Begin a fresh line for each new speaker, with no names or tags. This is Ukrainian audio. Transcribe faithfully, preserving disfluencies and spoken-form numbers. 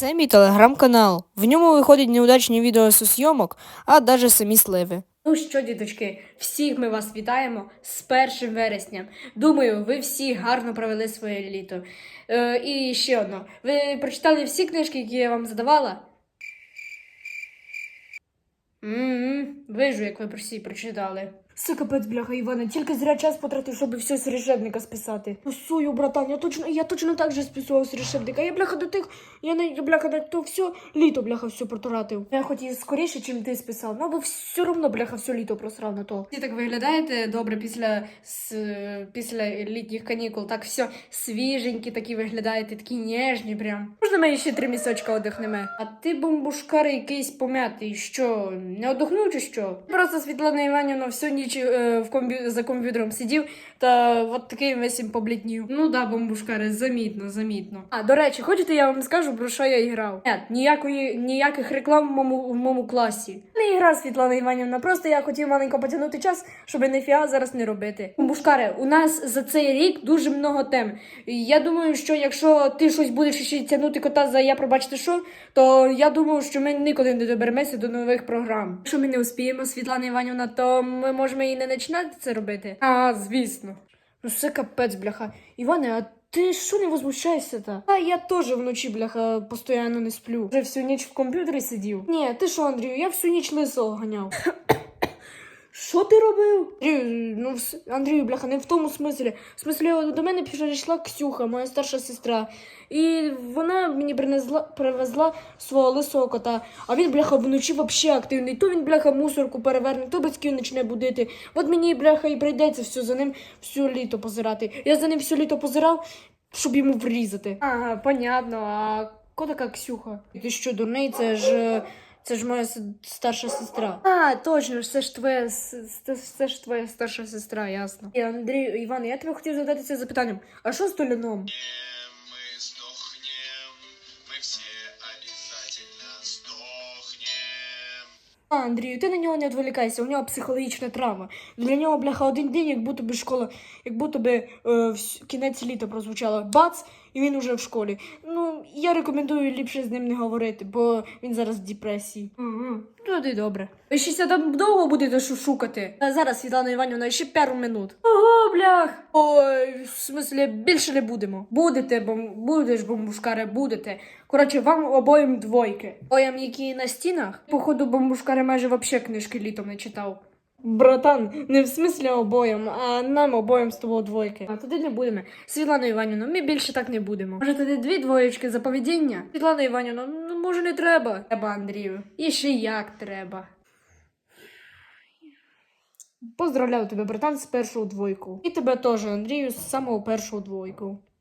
Це мій телеграм-канал. В ньому виходять неудачні відео зі зйомок, а навіть самі сливи.
Ну що, діточки, всіх ми вас вітаємо з першим вересням. Думаю, ви всі гарно провели своє літо. Е, і ще одно. Ви прочитали всі книжки, які я вам задавала? М-м-м, вижу, як ви всі прочитали.
Це капець, бляха, Іване, тільки зря час потратив, щоб все з решебника списати. Ну, сую, братан, я точно, я точно так же списував з решебника. Я, бляха, до тих, я не, бляха, на то все літо, бляха, все протратив. Я хоч і скоріше, чим ти списав, ну, бо все одно, бляха, все літо просрав на то.
Ви так виглядаєте добре після, с, після літніх канікул. Так все свіженькі такі виглядаєте, такі ніжні прям. Можна ми ще три місочка одихнемо? А ти, бомбушкар, якийсь пом'ятий, що, не одохнув чи що? Просто Світлана Іванівна всю ніч е, в комбі... за комп'ютером сидів та от такий весь побліднів. Ну да, бомбушкари, замітно, замітно. А, до речі, хочете я вам скажу, про що я грав? Ні, ніякої, ніяких реклам в моєму, в моєму класі. Не гра, Світлана Іванівна, просто я хотів маленько потягнути час, щоб ніфіга зараз не робити. Бомбушкари, у нас за цей рік дуже много тем. І я думаю, що якщо ти щось будеш ще тягнути кота за я пробачте що, то я думаю, що ми ніколи не доберемося до нових програм. Якщо ми не успіємо, Світлана Іванівна, то ми можемо і не починати це робити. А, звісно.
Ну, це капець, бляха. Іване, а ти що не возмущаєшся-то? А я теж вночі, бляха, постійно не сплю. Вже всю ніч в комп'ютері сидів. Ні, ти що, Андрію, я всю ніч лисого ганяв. Що ти робив? Андрію, ну, Андрію, бляха, не в тому смислі. В смислі, до мене прийшла Ксюха, моя старша сестра. І вона мені принесла, привезла свого лисого кота. А він, бляха, вночі взагалі активний. То він, бляха, мусорку переверне, то батьків почне будити. От мені, бляха, і прийдеться все за ним всю літо позирати. Я за ним все літо позирав, щоб йому врізати.
Ага, понятно. А хто така Ксюха?
Ти що, дурний, це ж... Це ж моя старша сестра.
А, точно, це ж твоя, це ж твоя старша сестра, ясно.
І, Андрій, Іван, я тебе хотів задати це запитанням. А що з Толяном?
Мы сдохнем, мы все обязательно сдохнем.
А, Андрію, ти на нього не відволікайся, у нього психологічна травма. Для нього, бляха, один день, як будто би школа, як будто би е, вс- кінець літа прозвучало. Бац, і він уже в школі. Ну, я рекомендую ліпше з ним не говорити, бо він зараз в депресії.
Угу. Туди добре. Ви ще там довго будете шукати?
А зараз, Світлана Іванівна, ще пару минут.
Ого, блях!
Ой, в смислі, більше не будемо.
Будете, бом... будеш, бомбушкари, будете. Коротше, вам обоїм двойки. Обоєм, які на стінах, походу, бомбушкари майже вообще книжки літом не читав.
Братан, не в смислі обоєм, а нам обоєм з тобою двойки.
А туди не будемо. Світлана Іванівна, ми більше так не будемо. Може, тоді дві двоєчки за поведіння? Світлана Іванівна, ну може не треба. Треба, Андрію. І ще як треба.
Поздравляю тебе, братан, з першого двойку. І тебе теж, Андрію, з самого першого двойку.